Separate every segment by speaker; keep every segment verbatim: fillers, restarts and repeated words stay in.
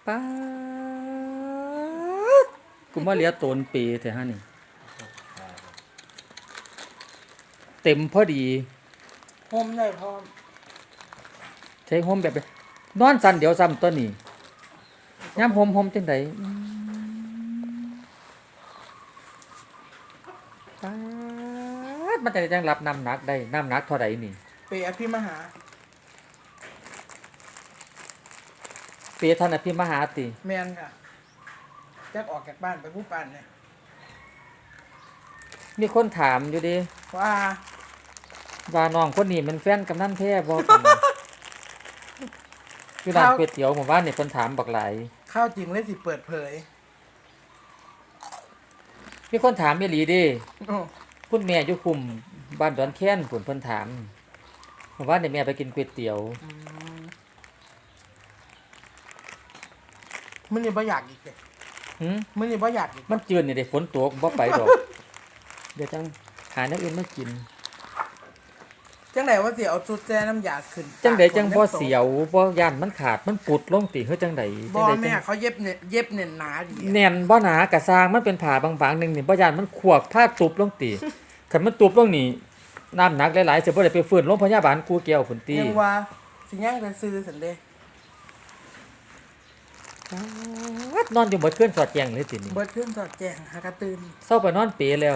Speaker 1: ป๊าดกูมาเหลียโตนเปแท้ฮะนี่เต็มพอดี
Speaker 2: โฮมได้พร้อม
Speaker 1: ใช้โฮมแบบนอนสั่นเดี๋ยวซ้ำตัวนี้ยามโฮมโฮมจังไดป๊าดมันจะได้จังรับน้ำหนักได้น้ำหนักเท่าใดนี่
Speaker 2: เปอภิมหา
Speaker 1: เปท่านอภิมหาติ
Speaker 2: แมนค่ะจักออกจากบ้านไปผู้ปันเนี่ย
Speaker 1: มีคนถามอยู่ดิ
Speaker 2: ว่า
Speaker 1: ว่าน้องคนนี้มันแฟนกำนันแท้บ่กันคือร้านก๋วยเตี๋ยวหมู่บ้านนี่เพิ่นถามบักหลาย
Speaker 2: ข้าวจริงเลยสิเปิดเผย
Speaker 1: มีคนถามอีหลีเด้
Speaker 2: อ้อ
Speaker 1: คุณแม่อยู่คุมบ้านดอนแค้นพุ่นเพิ่นถามหมู่บ้านนี่แม่ไปกินก๋วยเตี๋ยว
Speaker 2: อืมมื้อนี้บ่อยากอีกเด้
Speaker 1: หึ
Speaker 2: มื้อนี้บ่อยากอีก
Speaker 1: มันจืดนี่เด้ฝนตกบ่ไปดอกเดี๋ยวจังหาแนวอื่นมากิน
Speaker 2: จังได๋ว่าสิเอาสุดแซ่น้ำยาขึ้น
Speaker 1: จังได๋จังบ่เสียวบ่ย่านมันขาดมันปุดลงติเฮ็ดจังได๋
Speaker 2: บ่แม่เขาเย็บเนี่ยเย็บเน่นหนาดี
Speaker 1: แน่นบ่หนากะสร้างมันเป็นผ้าบางๆนึงนี่บ่ย่านมันขวกผ้าตุบลงติคันมันตุบลงนี่น้ำหนักหลายๆสิบ่ได้ไปฟื้นโรงพยาบาลกูแก้วพุ่นติ
Speaker 2: ยังว่าสิยังแต่ซื้อซั่นเด้
Speaker 1: นอนอยู่หมดคืนสอดแจ้งเลยตินี่
Speaker 2: เบิดขึ้นสอดแจ้งหากระตื่น
Speaker 1: เซาไปนอนเปแล้ว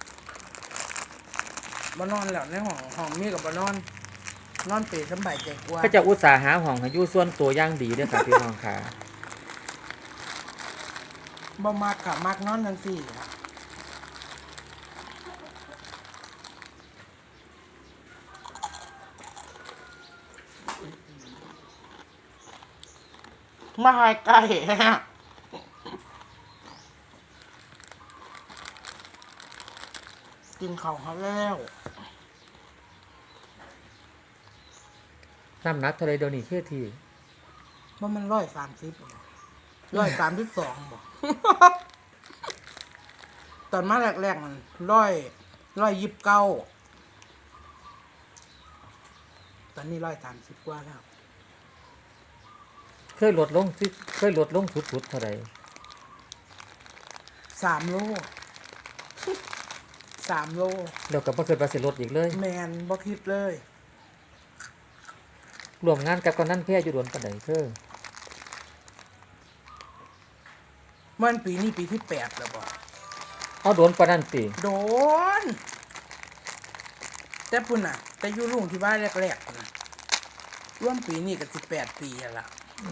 Speaker 2: บ่นอนแล้วในห้องห้องมีก็บ่นอนนอนเปรสำบายใจกว่า
Speaker 1: ก็จะอุตส่าห์หาห้องให้อยู่ส่วนตัวอย่างดีเด้อค่ะพี่น้องค่ะ
Speaker 2: บ่มักค่ะมักนอนจังซี่มาหายไก่กินข้าวหาแล้ว
Speaker 1: น้ำหนักเท่าไรเดี๋ยวนี้เท่ที
Speaker 2: ว่ามันร้อยสามสิบร้อยสามสิบสองบ่ตอนมาแรกๆมันร้อยร้อยยิบเก้าตอนนี้ร้อยสามสิบกว่าแล้ว
Speaker 1: เคยลดลงสิเคยลดลงสุดๆเท่าไร
Speaker 2: สามโลสามโล
Speaker 1: เดี๋ยวก็บ่เคยไปสิลดอีกเลย
Speaker 2: แมนบ่คิดเลย
Speaker 1: รวมงานกับกำนันแพ้อยู่โดนปานใดเด้อ
Speaker 2: มันปีนี้ปีที่แปดแล้วบ่
Speaker 1: เอาโดนปานนั้นติ
Speaker 2: โดนแต่พุ่นน่ะแต่อยู่ลุงที่บ้านแรกๆน่ะร่วมปีนี้ก็สิบแปดปีแล้วล่ะ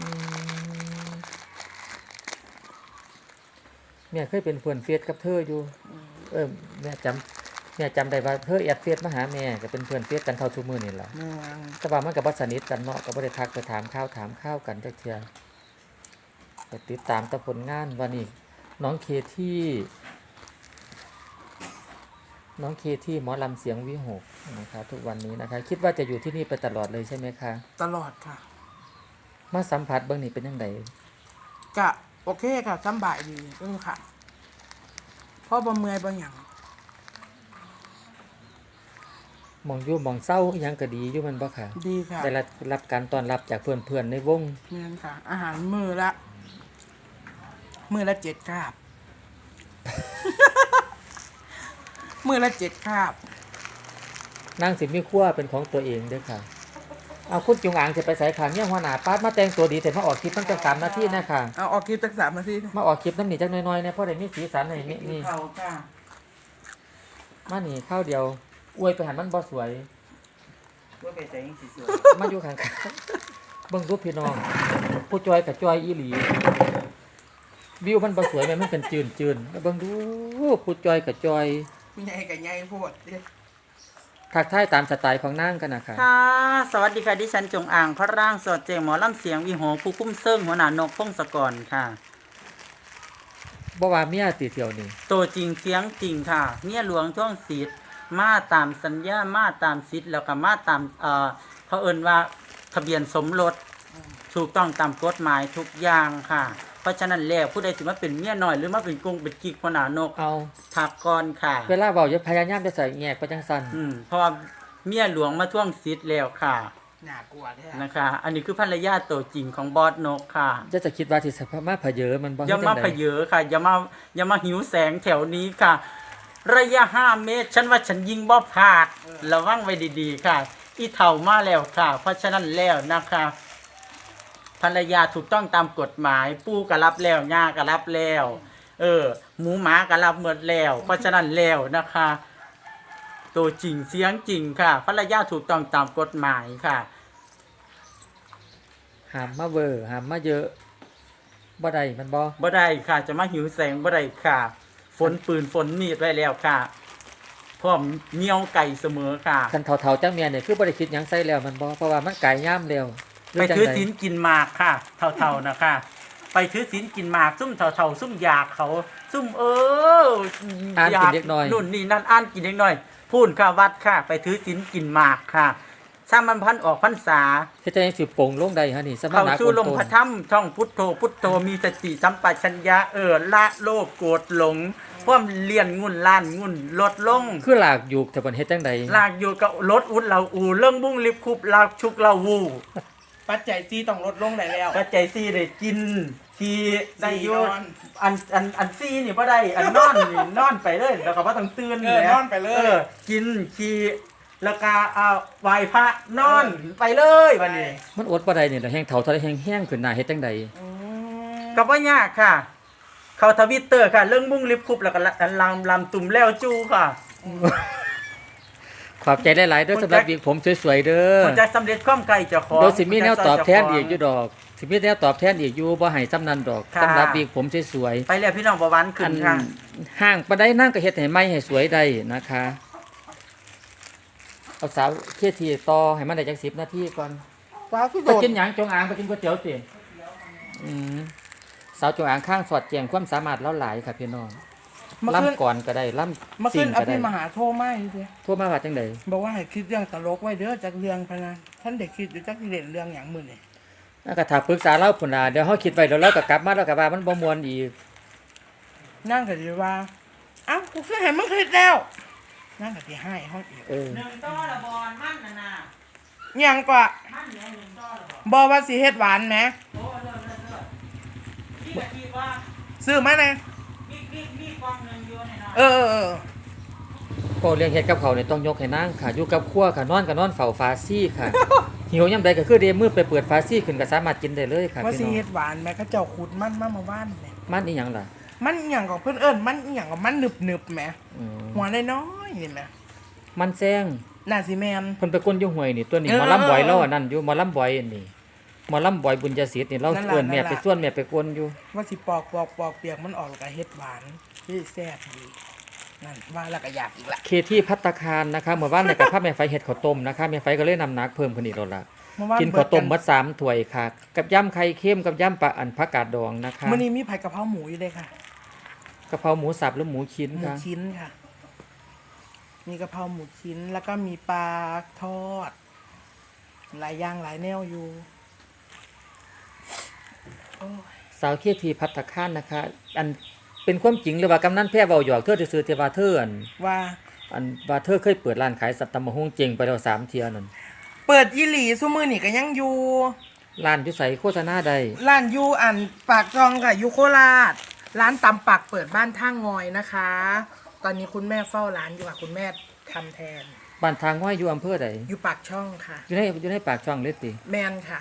Speaker 1: แม่เคยเป็นเพื่อนเฟซกับเธออยู่เออแม่จำแม่จำได้ว่าเธอแอดเฟซมาหาแม่ก็เป็นเพื่อนเฟซกันเท่าทุกมื้อนี่ล่ะแต่ว่ามันก็บ่สนิทกันเนาะก็บ่ได้ทักไปถามข่าวถามข้าวกันจักเทื่อก็ติดตามแต่ผลงานว่านี่น้องเคที่น้องเคที่หมอลำเสียงวิหกนะคะทุกวันนี้นะคะคิดว่าจะอยู่ที่นี่ไปตลอดเลยใช่ไหมคะ
Speaker 2: ตลอดค่ะ
Speaker 1: มาสัมผัสเบื้องนี้เป็นยังไง
Speaker 2: ก็โอเคค่ะสบายดีเออค่ะเพราะบ่เมื่อยบ่หยัง
Speaker 1: มองอยู่มองเศร้ายังก็ดีอยู่มันบ่ค่ะ
Speaker 2: ดีค่ะ
Speaker 1: ได้รับรับการต้อนรับจากเพื่อนๆในวง
Speaker 2: นี่นค่ะอาหารมื้อละมื้อละเจ็ดคาบ มื้อละเจ็ดคาบ
Speaker 1: นางสิมีครัวเป็นของตัวเองด้วยค่ะเอาคุณจงอางจะไปใส่ขันเนี่ยหัวหน้าปาดมาแต่งตัวดีแต่มาออกคลิปตั้งแต่สามนาทีนะคะ
Speaker 2: เอาออกคลิปตั้งสามนาที
Speaker 1: มาออกคลิปน้ำหนีจักน้อยๆเนี่ยเพราะได้มีสีสันให้นี่นี่มาหนีข้าวเดียวอวยไปหันมันบ่สวย
Speaker 2: อวยไปแต่ยังสวย
Speaker 1: มาอยู่ข้างๆเบิ่งรูปพี่น้องผู้จอยกับจอยอีหลีวิวมันบ่สวยแม่มันเป็นจืนๆเบิ่งดูผู้จอยกับจอย
Speaker 2: ใหญ่กับใหญ่โพด
Speaker 1: ทักทายตามสไตล์ของนางกันนะคะ
Speaker 3: ค่ะสวัสดีค่ะดิฉันจงอ่างพระร่างสดเจงหมอลำเสียงวิหกผู้คุ้มเซิงหัวหน้านกพงศกรค่ะ
Speaker 1: บ่ว่าเมียติเที่ยวนี่
Speaker 3: ตัวจริงเสียงจริงค่ะเมียหลวงท่วงศิษย์มาตามสัญญามาตามศิษย์แล้วก็มาตามเอ่อเขาเอิ้นว่าทะเบียนสมรสถูกต้องตามกฎหมายทุกอย่างค่ะเพราะฉะนั้นแล้วผู้ใดสิมาเป็นเมียน้อยหรือมาเป็นกงเป็นกิ๊กหัวหน้านก
Speaker 1: เอา
Speaker 3: ทักก่อนค่ะ
Speaker 1: เวลาเว้าอย่าพยายามจะใส่แงกไปจังซั่น
Speaker 3: อืมเพราะว่าเมียหลวงมาท่วงศิษย์แล้วค่ะ
Speaker 2: น่ากลัวแท้
Speaker 3: นะคะ อันนี้คือภรรยาตัวจริงของบอสนกค่ะ
Speaker 1: จะจะคิดว่าที่สภาพมาเพเยอมันบ่
Speaker 3: อย่ามา
Speaker 1: ฮ็ดจั่งใด
Speaker 3: เพเยอค่ะอย่ามาอย่ามาหิวแสงแถวนี้ค่ะ ระยะห้าเมตร ฉันว่าฉันยิงบ่พลาดระวังไว้ดีๆค่ะ อีเถ่ามาแล้วค่ะ เพราะฉะนั้นแล้วนะคะภรรยาถูกต้องตามกฎหมาย ปู่ก็รับแล้วย่าก็รับแล้ว เออ หมูหมาก็รับหมดแล้ว เพราะฉะนั้นแล้วนะคะ ตัวจริงเสียงจริงค่ะภรรยาถูกต้องตามกฎหมายค่ะ
Speaker 1: หามมาเวอร์หามมาเยอะบ่ได้มันบ่
Speaker 3: บ่ได้ค่ะจะมาหิวแสงบ่ได้ค่ะ ฝนปืนฝนมีดไว้แล้วค่ะพร้อมเหนียวไก่เสมอค่ะ
Speaker 1: คันเฒ่าๆจังเมียเนี่ยคือบ่ได้คิดหยังใส่แล้วมันบ่เพราะว่ามันไก่ย่ามแล้วหรื
Speaker 3: ไป
Speaker 1: จั่ง
Speaker 3: ถือ
Speaker 1: ใด
Speaker 3: ศีลกินหมากค่ะ เท่าๆนะคะ ไปถือศีลกินหมาก ซุ่มเท่าๆซุ่มอยากเขา ซุ่มเออ
Speaker 1: อ่าน
Speaker 3: อยา
Speaker 1: กินเล็กน้อย
Speaker 3: นู่นนี่นั่นอ่านกินเล็กน้อย พูนค่ะวัดค่ะ ไปถือศีลกินหมากค่ะสร้างมันพันออกพรรษา
Speaker 1: เฮ็ดจังได๋สิโป่งลงได้ฮะนี่สมา
Speaker 3: เข้า
Speaker 1: นา
Speaker 3: สู่
Speaker 1: โกน
Speaker 3: ลม
Speaker 1: โต
Speaker 3: พระธรรมท่องพุทโธพุทโธมีสติสัมปชัญญะเออละโลภโกรธหลงความเลียนงุ่นล้านงุ่นลดลง
Speaker 1: คือหลากอยู่แต่เพิ่นเฮ็ดจังได๋
Speaker 3: ลากอยู่กับรถอุดเราอูเรื่องบุ้งลิบคุบลากชุกเราวู
Speaker 2: ปัจจัยซีต้องลดลงได้แล้ว
Speaker 3: ปัจใจยซี่ได้กินทีได้อยู
Speaker 2: สี่นอน
Speaker 3: อันอันอันซี่นี่บ่ได้อันนอนนี่นอนไปเลยแล้วก็บ่ต้องตื่น
Speaker 2: เออ
Speaker 3: แหม
Speaker 2: นอนไปเลย
Speaker 3: ออกินขี่แล้วก็เอาไหว้พระนอนไปเลยวันนี้
Speaker 1: มันอดบ่ได้นี่แหละแฮงเฒ่าเท่าใดแฮงแห้งขึ้นหน้าเฮ็ดจังได๋
Speaker 2: อืม
Speaker 3: ก็บ่ยากค่ะ เข้าทวิตเตอร์ค่ะ เรื่องบุ้งลิบคุบแล้วก็อันลำลำตุ่มแล้วจูค่ะ
Speaker 1: ขอบใจหลายๆเด้อสำหรับวิกผมสวยๆเด้อ
Speaker 3: มันจะสำเร็จความไกลเจ้าของ
Speaker 1: เดี๋ยวสิมีแนวตอบแทนอีกอยู่
Speaker 3: ด
Speaker 1: ดอกสิมีแนวตอบแทนอีกอยู่บ่ให้ซ้ำนั้นดอก
Speaker 3: ค่ะ
Speaker 1: สำหรับวิกผมสวย
Speaker 3: ไปแล้วพี่น้องประวัน
Speaker 1: ๆ
Speaker 3: ขึ้
Speaker 1: อั
Speaker 3: น
Speaker 1: น
Speaker 3: ค่ะ
Speaker 1: ห้างปานใดนั่งก็เฮ็ดให้ใหม่ให้สวยได้นะคะเอาสาวเคทีต่อให้มันได้จักสิบนาทีก่อน
Speaker 2: ว้าวคือ
Speaker 1: ไป
Speaker 2: โดด
Speaker 1: กินหยังจงอางไปกินก๋วยเตี๋ยวติอืมสาวจงอางข้างสอดแจงความสามารถแล้วหลายค่ะพี่น้อง
Speaker 2: เมื่อคืน
Speaker 1: ล่ำก่อนก็ได้ล่
Speaker 2: เมื่อ
Speaker 1: ำ
Speaker 2: คื
Speaker 1: สิ่
Speaker 2: น
Speaker 1: ง
Speaker 2: อ
Speaker 1: ก็ได้
Speaker 2: ภิมหาโทรมาอยู่เด้
Speaker 1: โทั่วมาว่าจังได๋
Speaker 2: บอกว่าให้คิดเรื่องตลกไว้เด้อจากเรื่องพะนะท่านเด็กคิดอยู่จักสิเล่นเรื่องหยังมื้อนี่
Speaker 1: แล้วก็ถ้าปรึกษาเราพุ่นน่ะเดี๋ยวเฮาคิดไว้แล้วเราก็กลับมาแล้วก็ว่ามันบ่ม่วนอีก
Speaker 2: นั่งก็สิว่าเอ้ากูคือให้มึงคิดแล้วนั่งก็สิให้เฮาอีก
Speaker 1: เออ
Speaker 3: หนึ่งต้อละบอลมั่นนะนะ
Speaker 2: หยังกว่า
Speaker 3: มั่นเนี่ยหนึ่งต้อละบอล
Speaker 2: บ่ว่าสิเฮ็ดหวานแหม
Speaker 3: โอ้เลิศเลิศเลิศพี่กะทิว่า
Speaker 2: ซื้อมาแน่
Speaker 3: มีมีมีกล่องหนึ่งอยู่ในนั้น
Speaker 2: เออเออเออ
Speaker 1: ก็เลี้ยงเฮ็ดกับเขาวนี่ต้องยกให้นางค่ะอยู่กับครัวค่ะนอนก็นอนเฝ้าฟ้าซี่ค่ะ หิวยามใดก็คือเดมือไปเปิดฟ้าซี่ขึ้นก็สามารถกินได้เลยค่ะ
Speaker 2: ว่า
Speaker 1: พี่
Speaker 2: สิ
Speaker 1: น้อง
Speaker 2: เฮ็ดหวานแหมเขาเจ้าขุดมันมาเมื่อวานแหม
Speaker 1: มันอีหยังล่ะ
Speaker 2: มันอหย่างของเพื่อนเอิญมันอหย่างของมันหนึบหนึบๆแหม
Speaker 1: อืม
Speaker 2: หัวน้อยๆนี่แหม
Speaker 1: มันแซง
Speaker 2: น่าสิแมน
Speaker 1: เพิ่นไปก้นอยู่ห้วยนี่ตัวนี้
Speaker 2: เออ
Speaker 1: หมอลำบ่อยแล้วอันนั้นอยู่หมอลำบ่อยอันนี้หมอลำบ่อยบุญญาศิษย์นี่เรา
Speaker 2: นั่นล่ะ
Speaker 1: เอิ้นแม่
Speaker 2: นั่นล่ะ
Speaker 1: ไปส่วนแม่ไปก้นอยู่
Speaker 2: ว่าสิปอกปอกปอกเปียกมันออกแล้วก็เฮ็ดหวานที่แซ่บดีนั่นว่าแล้วก็อยากอีกละ
Speaker 1: เคที่พัตตาคารนะคะเมื่อวานในกับพาแม่ไฟเฮ็ดข้าวต้มนะคะแม่ไฟก็เลยนำหนักเพิ่มขึ้นอีกแล้วล่ะ
Speaker 2: เมื่อวาน
Speaker 1: กินข้าวต้ม
Speaker 2: เบิ
Speaker 1: มั
Speaker 2: ด
Speaker 1: ดสามถ้วยค่ะ กับยำไข่เค็มกับยำปลาอันผักกาดดองนะคะ
Speaker 2: มื้อนี้มีผัดกะเพราหมูอยู่เลยค่ะ
Speaker 1: กะเพราหมูสับหรือหมูชิ้น
Speaker 2: หมู
Speaker 1: ค่ะ
Speaker 2: ชิ้นค่ะ มีกะเพราหมูชิ้นแล้วก็มีปลาทอด หลายอย่างหลายแนวอยู่โอ้ย
Speaker 1: สาวเคที่พัตตาคารนะคะ อันเป็นความจริงหรือว่ากำนันแพ้เว้าหยอกเธอซื่อๆแต่ว่าเธออัน
Speaker 2: ว่า
Speaker 1: อันว่าเธอเคยเปิดร้านขายสัตว์ตำมะฮงเจงไปแล้วสามเที่ยนั่น
Speaker 2: เปิดอีหลีซุมื้อนี่ก็ยังอยู่
Speaker 1: ร้านอยู่ไสโฆษณาใด
Speaker 2: ร้านยูอันปากจองค่ะยูโคราช ร้านตำปักเปิดบ้านท่างอยนะคะ ตอนนี้คุณแม่เฝ้าร้านอยู่ค่ะคุณแม่ทำแทน
Speaker 1: บ้านทางห้อยอยู่อำเภอใด
Speaker 2: อยู่ปากช่องค่ะ
Speaker 1: อยู่ในอยู่ในปากช่องเลยติ
Speaker 2: แมนค่ะ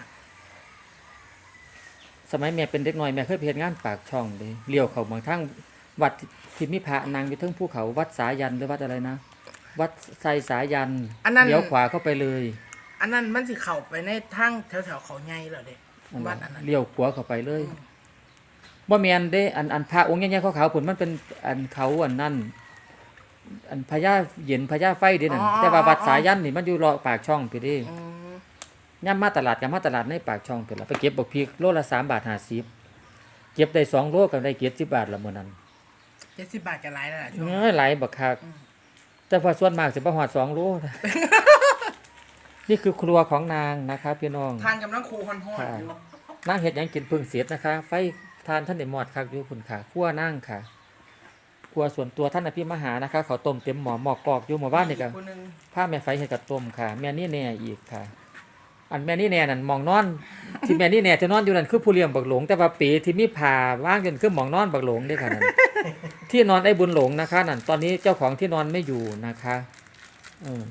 Speaker 1: สมัยแม่เป็นเด็กน้อยแม่เคยไปเฮ็ดงานปากช่องเด้เลี้ยวเข้าบางทางวัดที่มีพระนางอยู่เทิงภูเขาวัดสายันหรือวัดอะไรนะ วัดไซสายัน
Speaker 2: อันนั้น
Speaker 1: เลี้ยวขวาเข้าไปเลย
Speaker 2: อันนั้นมันสิเข้าไปในทางแถวๆเขาใหญ่เหรอเด็ก
Speaker 1: อัน
Speaker 2: วั
Speaker 1: นั้
Speaker 2: ด
Speaker 1: น
Speaker 2: อันนั้น
Speaker 1: เลี้ยวขวาเข้าไปเลยบ่แม่นเด้อันอันพระองค์ใหญ่ๆขาวๆพุ่นมันเป็นอันเขาอันนั้นอันพญาเย็นพญาไฟเด้นั่นแต่ว่าวัดสายันนี่มันอยู่รอปากช่องพี่เด้
Speaker 2: อืม
Speaker 1: ย่ามมาตลาดกับมาตลาดในปากช่องพุ่นล่ะไปเก็บบักพริกโลละสามบาทห้าสิบเก็บได้สองโลก็ได้เก็บสิบบาทละมื้อนั้น
Speaker 2: เจ็ดสิบบาทจะหลายแล้วล่ะช่วง
Speaker 1: เอ้ยหลายบักคักแต่พอส่วนมากสิบ่ฮอดสองโลนะ นี่คือครัวของนางนะคะพี่น้อง
Speaker 2: ทานกำลังคูฮอนๆอยู่
Speaker 1: นางเฮ็ดหยังกินเพิ่งเสร็จนะคะ ไฟทานท่านได้หมอดคักอยู่คุณค่ะครัวนางค่ะครัวส่วนตัวท่านอภิมหานะคะเขาวต้มเต็มหม้อหม้อกอกอยู่หมู่บ้านนี่ก็
Speaker 2: อีคนหนึ่ง
Speaker 1: ผ้าแม่ไฟเฮ็ดกับต้มค่ะ แม่นี่แน่อีกค่ะอันแม่นี่แน่นั่นหมองนอน ที่แม่นี่แน่จะนอนอยู่นั่นคือผู้เลี้ยงบักหลงแต่ว่าปีที่มีผ่าว่างจนคือหมองนอนบักหลงเด้อค่ะนั่น ที่นอนไอ้บุญหลงนะคะนั่นตอนนี้เจ้าของที่นอนไม่อยู่นะคะเออ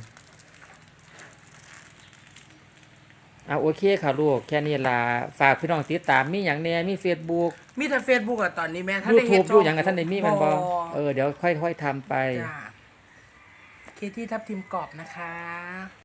Speaker 1: เอาโอเคค่ะลูกแค่นี้ล่ะฝากพี่น้องติดตามมีหยังแหน่มี Facebook
Speaker 2: มีแต่ Facebook อะตอนนี้แม่ท่านได้เฮ็ด
Speaker 1: YouTube อยู่หยังกับท่านได้มีแมันบ่
Speaker 2: บ่
Speaker 1: เออเดี๋ยวค่อยๆทำไป
Speaker 2: จ้าเคที่ทับทิมกรอบนะคะ